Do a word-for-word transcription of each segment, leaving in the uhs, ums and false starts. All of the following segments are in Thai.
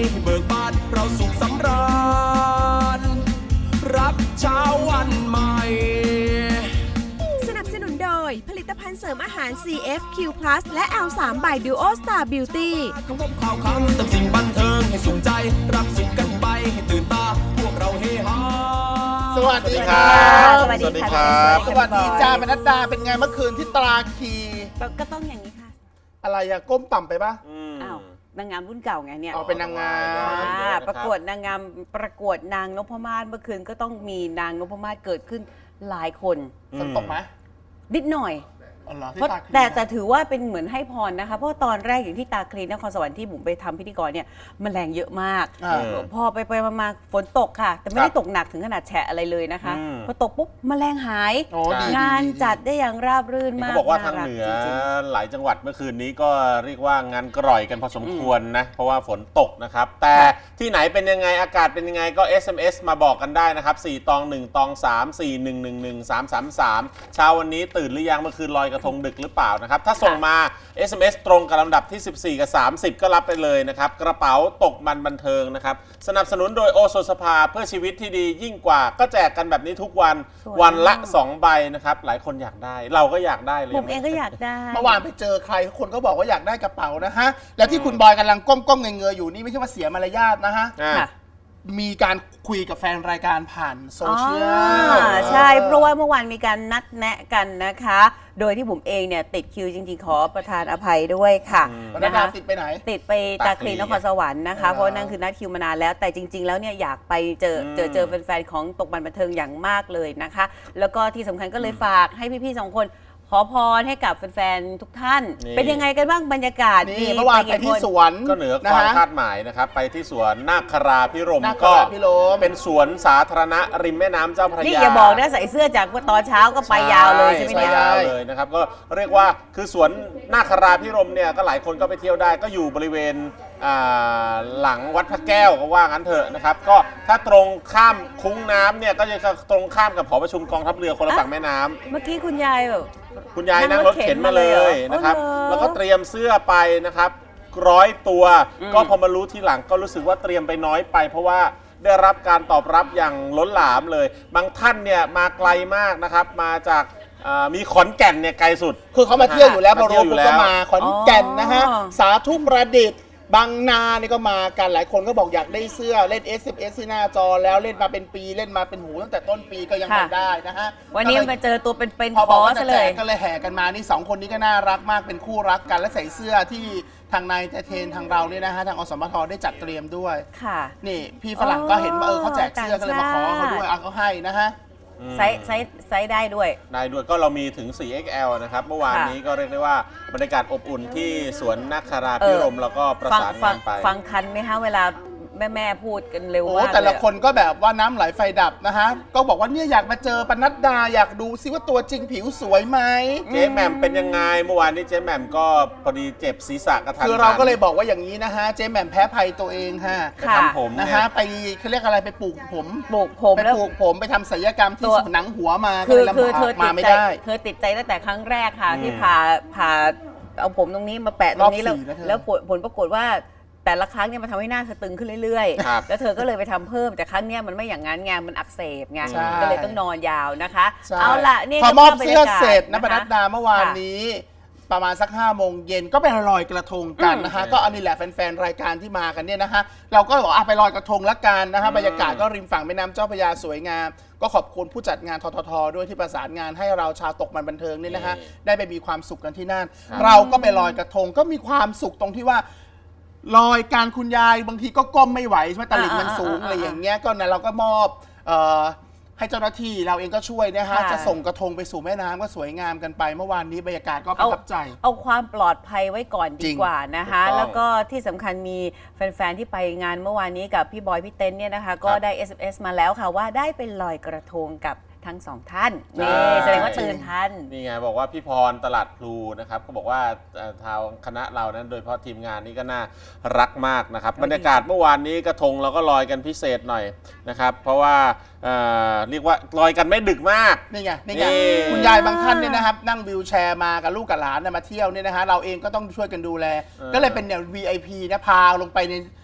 ให้เบิกบานเราสุขสำราญรับเช้าวันใหม่สนับสนุนโดยผลิตภัณฑ์เสริมอาหาร ซี เอฟ คิว พลัส และ แอล ทรี by Duo Star Beauty คำพบข่าวคำเติมสิ่งบันเทิงให้สุขใจรับสุขกันไปให้ตื่นตาพวกเราเฮฮาสวัสดีครับสวัสดีครับสวัสดีจ้าเป็นนัดดาเป็นไงเมื่อคืนที่ตราคีก็ต้องอย่างนี้ค่ะอะไรอะก้มต่ำไปปะอ้าวนางงามรุ่นเก่าไงเนี่ยเอาเป็นนางงามประกวดนางงามประกวดนางนพมาศเมื่อคืนก็ต้องมีนางนพมาศเกิดขึ้นหลายคนฝนตกไหมนิดหน่อยเพราะแต่แต่ถือว่าเป็นเหมือนให้พรนะคะเพราะตอนแรกอย่างที่ตาคลีนนครสวรรค์ที่บุ๋มไปทำพิธีกรเนี่ยมันแรงเยอะมากพอไปไปมาฝนตกค่ะแต่ไม่ได้ตกหนักถึงขนาดแฉะอะไรเลยนะคะพอตกปุ๊บแมลงหายงานจัดได้อย่างราบรื่นมากเขาบอกว่าทางเหนือหลายจังหวัดเมื่อคืนนี้ก็เรียกว่างานกร่อยกันพอสมควรนะเพราะว่าฝนตกนะครับแต่ที่ไหนเป็นยังไงอากาศเป็นยังไงก็ เอส เอ็ม เอส มาบอกกันได้นะครับสี่ตองหนึ่งตองสามสี่หนึ่งหนึ่งหนึ่งสามสามสามเช้าวันนี้ตื่นหรือยังเมื่อคืนลอยกระทงดึกหรือเปล่านะครับถ้าส่งมา เอส เอ็ม เอส ตรงกับลำดับที่สิบสี่กับสามสิบก็รับไปเลยนะครับกระเป๋าตกมันบันเทิงนะครับสนับสนุนโดยโอโซสภาเพื่อชีวิตที่ดียิ่งกว่าก็แจกกันแบบนี้ทุกวันวันละสองใบนะครับหลายคนอยากได้เราก็อยากได้เลยผมเองก็อยากได้เมื่อวานไปเจอใครคนก็บอกว่าอยากได้กระเป๋านะฮะแล้วที่คุณบอยกำลังก้มๆเงยๆอยู่นี่ไม่ใช่ว่าเสียมารยาทนะฮะมีการคุยกับแฟนรายการผ่านโซเชียลใช่เพราะว่าเมื่อวานมีการนัดแนะกันนะคะโดยที่ผมเองเนี่ยติดคิวจริงๆขอประทานอภัยด้วยค่ะนะคะติดไปไหนติดไปตาคลีนนครสวรรค์นะคะเพราะนั่นคือนัดคิวมานานแล้วแต่จริงๆแล้วเนี่ยอยากไปเจอเจอเจอแฟนๆของตกมันบันเทิงอย่างมากเลยนะคะแล้วก็ที่สำคัญก็เลยฝากให้พี่ๆสองคนขอพรให้กับแฟนๆทุกท่านเป็นยังไงกันบ้างบรรยากาศนี่เมื่อวานไปที่สวนก็เหนือความคาดหมายนะครับไปที่สวนนาคราพิรมก็เป็นสวนสาธารณะริมแม่น้ำเจ้าพระยานี่อย่าบอกนะใส่เสื้อจากตอนเช้าก็ไปยาวเลยใช่ไหมเนี่ยยาวเลยนะครับก็เรียกว่าคือสวนนาคราพิรมเนี่ยก็หลายคนก็ไปเที่ยวได้ก็อยู่บริเวณหลังวัดพระแก้วก็ว่างั้นเถอะนะครับก็ถ้าตรงข้ามคุ้งน้ำเนี่ยก็จะตรงข้ามกับหอประชุมกองทัพเรือคนละฝั่งแม่น้ำเมื่อกี้คุณยายแบบคุณยายนั่งรถเข็นมาเลยนะครับแล้วก็เตรียมเสื้อไปนะครับร้อยตัวก็พอมารู้ทีหลังก็รู้สึกว่าเตรียมไปน้อยไปเพราะว่าได้รับการตอบรับอย่างล้นหลามเลยบางท่านเนี่ยมาไกลมากนะครับมาจากมีขอนแก่นเนี่ยไกลสุดคือเขามาเที่ยวอยู่แล้วพอรู้ปุ๊บก็มาขอนแก่นนะฮะสาธุประดิษฐ์บางนานี่ก็มากันหลายคนก็บอกอยากได้เสื้อเล่น เอส เอ็ม เอส ที่หน้าจอแล้วเล่นมาเป็นปีเล่นมาเป็นหูตั้งแต่ต้นปีก็ยังไม่ได้นะฮะวันนี้มาเจอตัวเป็นๆขอซะเลยก็เลยแห่กันมานี่สองคนนี้ก็น่ารักมากเป็นคู่รักกันและใส่เสื้อที่ทางนายเทนทางเราเนี่ยนะฮะทางอสมทได้จัดเตรียมด้วยค่ะนี่พี่ฝรั่งก็เห็นว่าเออเขาแจกเสื้อก็เลยมาขอเขาด้วยเอาเขาให้นะฮะไซส์ไซส์ไซส์ได้ด้วยได้ด้วยก็เรามีถึง โฟร์ เอ็กซ์ แอล นะครับเมื่อวานนี้ก็เรียกได้ว่าบรรยากาศอบอุ่นที่สวนนาคราพิรมแล้วก็ประสานงานไปฟังทันไหมคะเวลาแม่แม่พูดกันเร็วมากโอ้แต่ละคนก็แบบว่าน้ำไหลไฟดับนะฮะก็บอกว่าเนี่ยอยากมาเจอปนัดดาอยากดูซิว่าตัวจริงผิวสวยไหมเจ๊แหม่มเป็นยังไงเมื่อวานนี้เจ๊แหม่มก็พอดีเจ็บศีรษะกระทันคือเราก็เลยบอกว่าอย่างนี้นะฮะเจ๊แหม่มแพ้ภัยตัวเองฮะไปทำผมนะฮะไปเขาเรียกอะไรไปปลูกผมปลูกผมไปปลูกผมไปทำศัลยกรรมที่หนังหัวมาคือคือเธอติดใจเธอติดใจตั้งแต่ครั้งแรกค่ะที่ผ่าผ่าเอาผมตรงนี้มาแปะตรงนี้แล้วแล้วผลปรากฏว่าแต่ละครั้งเนี่ยมันทำให้หน้าเธอตึงขึ้นเรื่อยๆแล้วเธอก็เลยไปทำเพิ่มแต่ครั้งนี้มันไม่อย่างนั้นไงมันอักเสบไงก็เลยต้องนอนยาวนะคะเอาละนี่พอมอบเสื้อเสร็จนะปนัดดาเมื่อวานนี้ประมาณสักห้าโมงเย็นก็ไปลอยกระทงกันนะฮะก็อันนี้แหละแฟนๆรายการที่มากันเนี่ยนะฮะเราก็บอกไปลอยกระทงละกันนะฮะบรรยากาศก็ริมฝั่งแม่น้ำเจ้าพระยาสวยงามก็ขอบคุณผู้จัดงานทททด้วยที่ประสานงานให้เราชาวตกมันบันเทิงนี่นะฮะได้ไปมีความสุขกันที่นั่นเราก็ไปลอยกระทงก็มีความสุขตรงที่ว่าลอยการคุณยายบางทีก็ก้มไม่ไหวใช่ไหมตลิ่งมันสูงอะไรอย่างเงี้ยก็นะเราก็มอบให้เจ้าหน้าที่เราเองก็ช่วยนะฮะจะส่งกระทงไปสู่แม่น้ำก็สวยงามกันไปเมื่อวานนี้บรรยากาศก็ประทับใจเอาความปลอดภัยไว้ก่อนดีกว่านะคะแล้วก็ที่สำคัญมีแฟนๆที่ไปงานเมื่อวานนี้กับพี่บอยพี่เต้นเนี่ยนะคะก็ได้ เอส เอ็ม เอส มาแล้วค่ะว่าได้ไปลอยกระทงกับทั้งสองท่านนี่แสดงว่าตื่นทันนี่ไงบอกว่าพี่พรตลาดพลูนะครับก็บอกว่าทางคณะเรานั้นโดยเฉพาะทีมงานนี้ก็น่ารักมากนะครับบรรยากาศเมื่อวานนี้กระทงเราก็ลอยกันพิเศษหน่อยนะครับเพราะว่าเรียกว่าลอยกันไม่ดึกมากนี่ไงนี่ไงคุณยายบางท่านเนี่ยนะครับนั่งวิวแชร์มากับลูกกับหลานมาเที่ยวเนี่ยนะฮะเราเองก็ต้องช่วยกันดูแลก็เลยเป็นเนี่ย วี ไอ พี นะพาลงไปใน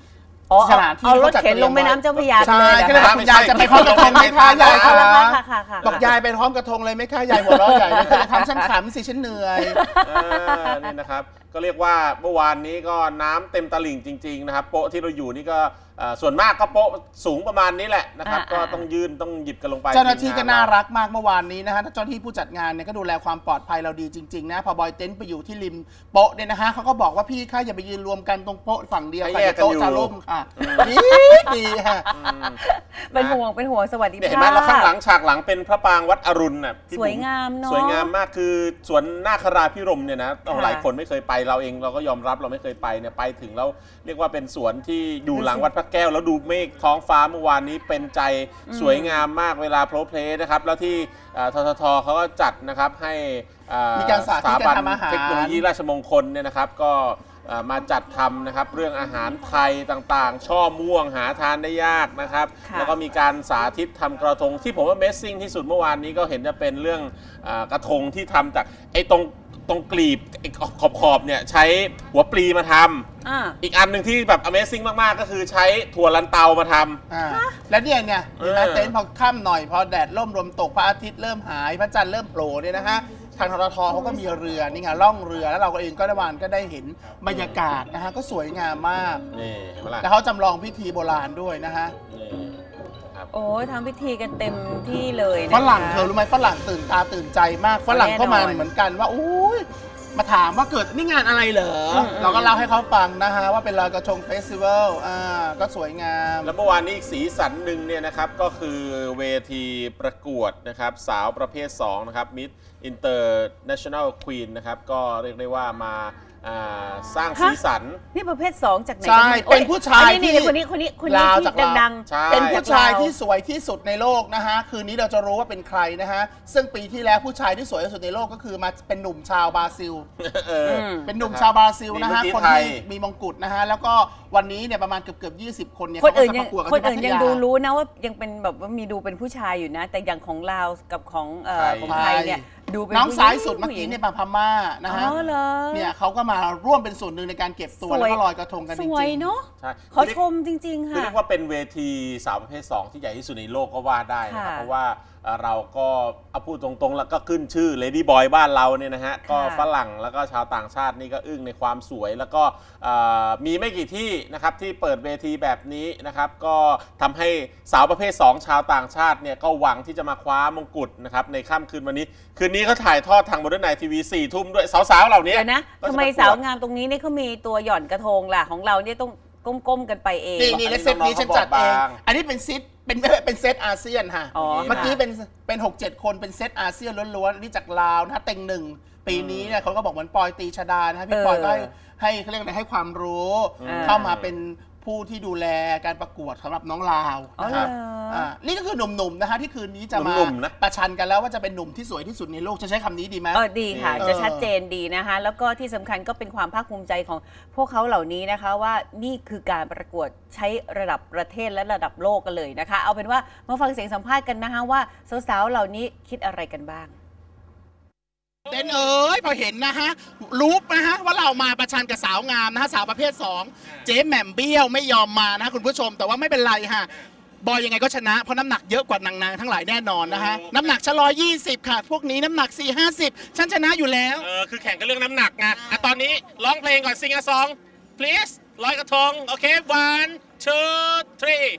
อ๋อสถานที่เอารถเขาจัดเข็นลงแม่น้ำเจ้าพระยาใช่เลยก็เลยนะบอกคุณยายจะไปพร้อมกระทงไหมคะยายเอาคะละค่ะค่ะค่ะบอกยายไปพร้อมกระทงเลยไหมคะยายหัวเราะใหญ่เลยทำฉันขำสิฉันเหนื่อยอ่านี่นะครับก็เรียกว่าเมื่อวานนี้ก็น้ำเต็มตลิ่งจริงๆนะครับโป๊ะที่เราอยู่นี่ก็เอ่อส่วนมากก็โป๊ะสูงประมาณนี้แหละนะครับก็ต้องยืนต้องหยิบกันลงไปเจ้าหน้าที่ก็น่ารักมากเมื่อวานนี้นะฮะเจ้าหน้าที่ผู้จัดงานเนี่ยก็ดูแลความปลอดภัยเราดีจริงๆนะพอบอยเต็นท์ไปอยู่ที่ริมโป๊ะเนี่ยนะฮะเขาก็บอกว่าพี่คะอย่าไปยืนรวมกันตรงโป๊ะฝั่งเดียวค่ะโต๊ะจะล่มค่ะดีดีค่ะเป็นห่วงเป็นห่วงสวัสดีเนี่ยเห็นไหมแล้วข้างหลังฉากหลังเป็นพระปรางวัดอรุณน่ะพี่สวยงามเนาะสวยงามมากคือสวนนาคราพิรมเนี่ยนะค่ะหลายคนไม่เคยไปเราเองเราก็ยอมรับเราไม่เคยไปเนี่ยไปถึงแล้วเรียกว่าเป็นสวนที่อยู่หลังวัดพระแก้วแล้วดูเมฆท้องฟ้าเมื่อวานนี้เป็นใจสวยงามมากเวลาโพลเพลย์นะครับแล้วที่ทททเขาก็จัดนะครับให้มีการสาธิตการทำอาหารเทคโนโลยีราชมงคลเนี่ยนะครับก็มาจัดทำนะครับเรื่องอาหารไทยต่างๆช่อม่วงหาทานได้ยากนะครับแล้วก็มีการสาธิตทำกระทงที่ผมว่าเมสซิ่งที่สุดเมื่อวานนี้ก็เห็นจะเป็นเรื่องกระทงที่ทำจากไอ้ตรงตรงกลีบขอบขอบเนี่ยใช้หัวปลีมาทำอ่าอีกอันหนึ่งที่แบบ Amazing มากๆก็คือใช้ถั่วลันเตามาทำอ่าแล้วเนี่ยเนี่ยเห็นไหมเออเต็นท์พอค่ำหน่อยพอแดดร่มลมตกพระอาทิตย์เริ่มหายพระจันทร์เริ่มโผล่เนี่ยนะฮะทางทททเขาก็มีเรือนี่ไงล่องเรือแล้วเราก็เองก็ได้วานก็ได้เห็นบรรยากาศนะฮะก็สวยงามมากนี่เห็นไหมล่ะแล้วเขาจำลองพิธีโบราณด้วยนะฮะนี่ครับโอ้ยทำพิธีกันเต็มที่เลยนะคะฝรั่งเธอรู้ไหมฝรั่งตื่นตาตื่นใจมากฝรั่งก็มาแน่นอนเหมือนกันว่าอุ้ยมาถามว่าเกิดนี่งานอะไรเหรออืมเราก็เล่าให้เขาฟังนะฮะว่าเป็นลอยกระทงเฟสติวัลอ่าก็สวยงามแล้วเมื่อวานนี้อีกสีสันหนึ่งเนี่ยนะครับก็คือเวทีประกวดนะครับสาวประเภทสองนะครับ Miss International Queen นะครับก็เรียกได้ว่ามาอ่าสร้างสีสันนี่ประเภทสองจากไหนใช่กัเป็นผู้ชายอันนี้ที่นี่คนนี้คนนี้คนนี้ลาวที่จากลาวดังใช่เป็นผู้ชายที่สวยที่สุดในโลกนะฮะคืนนี้เราจะรู้ว่าเป็นใครนะฮะซึ่งปีที่แล้วผู้ชายที่สวยที่สุดในโลกก็คือมาเป็นหนุ่มชาวบราซิลเอออืมเป็นหนุ่มชาวบราซิลนะฮะมีคนไทยที่มีมงกุฎนะฮะแล้วก็วันนี้เนี่ยประมาณเกือบเกือบยี่สิบคนเนี่ยคนเขาก็อื่นจะยัปงระกวดกันคนที่พัอื่นทยังยาดูรู้นะว่ายังเป็นแบบว่ามีดูเป็นผู้ชายอยู่นะ แต่อย่างของลาวกับของเอ่อของไทยเนี่ยดูเป็นน้องผู้หญิซ้ายสุดเมื่อกี้เนี่ยมาพม่านะฮะอ๋อเหรอเนี่ยเขาก็มาร่วมเป็นส่วนหนึ่งในการเก็บตัวแล้วก็ลอยกระทงกันจสริงวยๆเนาะใช่ขอชมจริง ๆคือค่ะเรียกว่าเป็นเวทีสาวประเภทสองที่ใหญ่ที่สุดในโลกก็ว่าได้นะครับค่ะเพราะว่าเอ่อเราก็เอาพูดตรงๆ แล้วก็ขึ้นชื่อ Lady Boy บ้านเราเนี่ยนะฮะก็ฝรั่งแล้วก็ชาวต่างชาตินี่ก็อึ้งในความสวย แล้วก็เอ่อมีไม่กี่ที่นะครับที่เปิดเวทีแบบนี้นะครับก็ทำให้สาวประเภทสองชาวต่างชาติเนี่ยก็หวังที่จะมาคว้ามงกุฎนะครับในค่ำคืนวันนี้ คืนนี้เขาถ่ายทอดทางบนไนทีวีสี่ทุ่มด้วยสาวๆเหล่านี้เดี๋ยวนะก็จะทำไมประกวดสาวงามตรงนี้เนี่ยเขามีตัวหย่อนกระทงล่ะของเราเนี่ยต้องก้มๆกันไปเองนี่นี่และเซตนี้ฉันจัดเอง อันนี้เป็นซิทเป็นเป็นเซตอาเซียนค่ะอ๋อเมื่อกี้เป็นเป็นหกเจ็ดคนเป็นเซตอาเซียนล้วนๆอันนี้จากลาวนะฮะเต็งหนึ่งปีนี้เนี่ยเขาก็บอกเหมือนปอยตีชดานะฮะพี่ปอยก็ให้ให้เขาเรียกอะไรให้ความรู้ เข้ามาเป็นผู้ที่ดูแลการประกวดสำหรับน้องลาวอ๋อนะเหรฮะออ่านี่ก็คือหนุ่มๆนะฮะที่คืนนี้จะมาหนุ่มๆนะประชันกันแล้วว่าจะเป็นหนุ่มที่สวยที่สุดในโลกจะใช้คำนี้ดีไหมเออดีค่ะเออจะชัดเจนดีนะคะ แล้วก็ที่สำคัญก็เป็นความภาคภูมิใจของพวกเขาเหล่านี้นะคะว่านี่คือการประกวดใช้ระดับประเทศและระดับโลกกันเลยนะคะ เอาเป็นว่ามาฟังเสียงสัมภาษณ์กันนะคะว่าสาวๆเหล่านี้คิดอะไรกันบ้างเต้นเอ้ยพอเห็นนะฮะรู้นะฮะว่าเรามาประชันกับสาวงามนะฮะสาวประเภทสองเจ๊แหม่มเบี้ยวไม่ยอมมานะคุณผู้ชมแต่ว่าไม่เป็นไรฮะบอยยังไงก็ชนะเพราะน้ำหนักเยอะกว่านางๆทั้งหลายแน่นอนนะฮะน้ำหนักชะลอยี่สิบค่ะ พวกนี้น้ำหนักสี่ห้าสิบฉันชนะอยู่แล้วเออคือแข่งกันเรื่องน้ำหนักไงอ่ะตอนนี้ร้องเพลงก่อนซิงอะซอง please ลอยกระทง โอเค one two three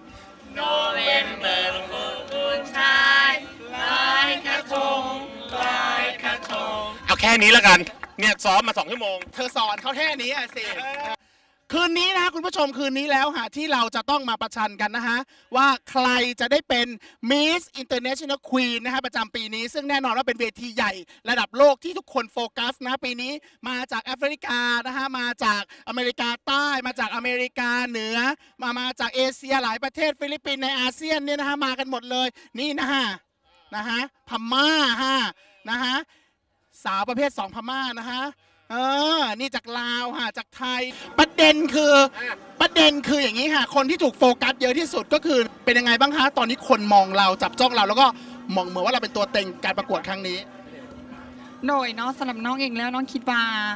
November คุณชายลอยกระทงลอยกระทงเอาแค่นี้แล้วกัน เนี่ยซ้อมมาสองชั่วโมงเธอสอนเขาแค่นี้อะสิคืนนี้นะฮะคุณผู้ชมคืนนี้แล้วฮะที่เราจะต้องมาประชันกันนะฮะว่าใครจะได้เป็น Miss International Queen นะฮะประจำปีนี้ซึ่งแน่นอนว่าเป็นเวทีใหญ่ระดับโลกที่ทุกคนโฟกัสนะปีนี้มาจากแอฟริกานะฮะมาจากอเมริกาใต้มาจากอเมริกาเหนือมามาจากเอเชียหลายประเทศฟิลิปปินส์ในอาเซียนเนี่ยนะฮะมากันหมดเลยนี่นะฮะนะฮะพม่าฮะนะฮะสาวประเภทสองพม่านะฮะเออนี่จากลาวค่ะจากไทยประเด็นคือประเด็นคืออย่างนี้ค่ะคนที่ถูกโฟกัสเยอะที่สุดก็คือเป็นยังไงบ้างคะตอนนี้คนมองเราจับจ้องเราแล้วก็มองเหมือนว่าเราเป็นตัวเต็งการประกวดครั้งนี้โดยเนาะสำหรับน้องเองแล้วน้องคิดว่า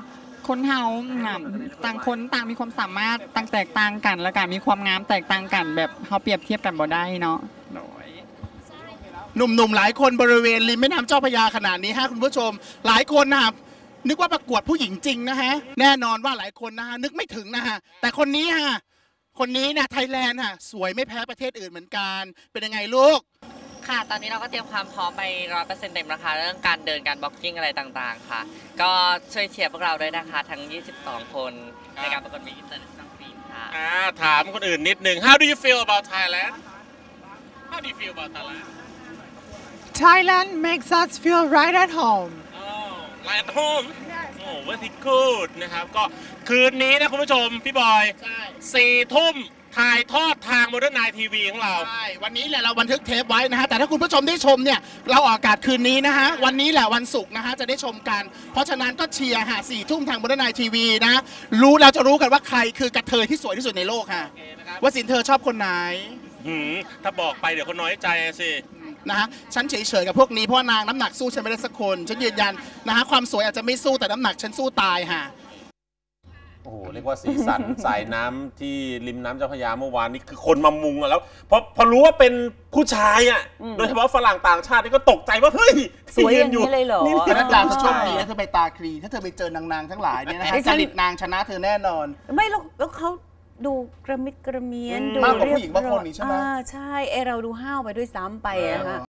คนเฮาน่ะต่างคนต่างมีความสามารถต่างแตกต่างกันแล้วก็มีความงามแตกต่างกันแบบเฮาเปรียบเทียบกันบ่ได้เนาะหนุ่มๆหลายคนบริเวณริมแม่น้ำเจ้าพระยาขนาดนี้ฮะคุณผู้ชมหลายคนนะครับนึกว่าประกวดผู้หญิงจริงนะฮะแน่นอนว่าหลายคนนะฮะนึกไม่ถึงนะฮะแต่คนนี้ฮะคนนี้เนี่ยไทยแลนด์ฮะสวยไม่แพ้ประเทศอื่นเหมือนกันเป็นยังไงลูกค่ะตอนนี้เราก็เตรียมความพร้อมไปร้อยเปอร์เซ็นต์เต็มนะคะเรื่องการเดินการบล็อกกิ้งอะไรต่างๆค่ะก็ช่วยเชียร์พวกเราด้วยนะคะทั้งยี่สิบสองคนในการประกวดมิสอินเตอร์เนชั่นแนลควีนค่ะอ่าถามคนอื่นนิดนึง How do you feel about Thailand How do you feel about Thailand Thailand makes us feel right at home oh right at home oh very good นะครับก็คืนนี้นะคุณผู้ชมพี่บอยสี่ทุ่มถ่ายทอดทาง Modern Night ที วี ของเราใช่วันนี้แหละเราบันทึกเทปไว้นะฮะแต่ถ้าคุณผู้ชมได้ชมเนี่ยเราออกอากาศคืนนี้นะฮะวันนี้แหละวันศุกร์นะฮะจะได้ชมกันเพราะฉะนั้นก็เชียร์ฮะสี่ทุ่มทาง Modern Night ที วี นะรู้เราจะรู้กันว่าใครคือกระเทยที่สวยที่สุดในโลกค่ะว่าสินเธอชอบคนไหนหืมถ้าบอกไปเดี๋ยวคนน้อยใจสินะฮะฉันเฉยๆกับพวกนี้เพราะนางน้ำหนักสู้ฉันไม่ได้สักคนฉันยืนยันนะฮะความสวยอาจจะไม่สู้แต่น้ำหนักฉันสู้ตายฮะโอ้โหเรียกว่าสีสัน สายน้ำที่ริมน้ำเจ้าพระยาเมื่อวานนี้คือคนมามุงแล้วพอพอรู้ว่าเป็นผู้ชายอ่ะโดยเฉพาะฝรั่งต่างชาตินี่ก็ตกใจว่าเฮ้ยสวยอย่างนี้เลยเหรอนี่นักดาจะโชคดีนะเธอไปตาคลีถ้าเธอไปเจอนางๆทั้งหลายเนี่ยนะฮะจริตนางชนะเธอแน่นอนไม่แล้วเขาดูกระมิดกระเมียนดูมากกว่าผู้หญิงบางคนนี่ใช่ไหมใช่ไอเราดูห้าวไปด้วยซ้ำไปอะค่ะ